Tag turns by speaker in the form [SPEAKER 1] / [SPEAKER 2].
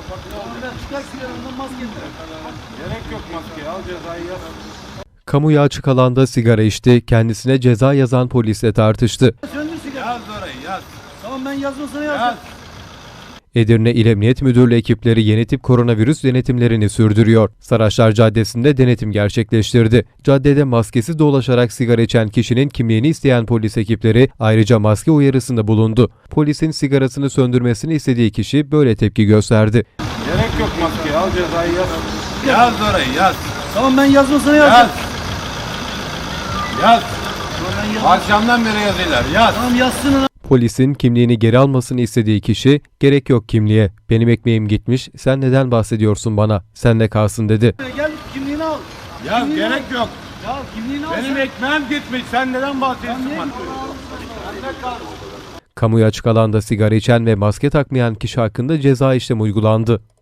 [SPEAKER 1] Çıkar sigarandan maske.
[SPEAKER 2] Gerek yok maske. Al cezayı yaz.
[SPEAKER 3] Kamuya açık alanda sigara içti, kendisine ceza yazan polisle tartıştı.
[SPEAKER 1] Söndür sigara.
[SPEAKER 2] Yaz orayı yaz.
[SPEAKER 1] Tamam ben yazmasına yaz.
[SPEAKER 2] Yaz.
[SPEAKER 3] Edirne İl Emniyet Müdürlüğü ekipleri yeni tip koronavirüs denetimlerini sürdürüyor. Saraçlar Caddesi'nde denetim gerçekleştirdi. Caddede maskesiz dolaşarak sigara içen kişinin kimliğini isteyen polis ekipleri ayrıca maske uyarısında bulundu. Polisin sigarasını söndürmesini istediği kişi böyle tepki gösterdi.
[SPEAKER 2] Gerek yok maske. Al cezayı yaz. Yaz orayı yaz.
[SPEAKER 1] Tamam ben yazmasına yaz.
[SPEAKER 2] Yaz. Yaz.
[SPEAKER 1] Tamam ben yaz.
[SPEAKER 2] Akşamdan beri yazıyorlar. Yaz.
[SPEAKER 1] Tamam yazsın.
[SPEAKER 3] Polisin kimliğini geri almasını istediği kişi, "Gerek yok kimliğe, benim ekmeğim gitmiş, sen neden bahsediyorsun bana, senle kalsın" dedi.
[SPEAKER 1] Gel kimliğini al.
[SPEAKER 2] Yaz
[SPEAKER 1] Kimliğini
[SPEAKER 2] gerek
[SPEAKER 1] al.
[SPEAKER 2] yok.
[SPEAKER 1] Ya kimliğini al.
[SPEAKER 2] Benim ekmeğim gitmiş. Sen neden bahsediyorsun bana?
[SPEAKER 3] Kamuya açık alanda sigara içen ve maske takmayan kişi hakkında ceza işlemi uygulandı.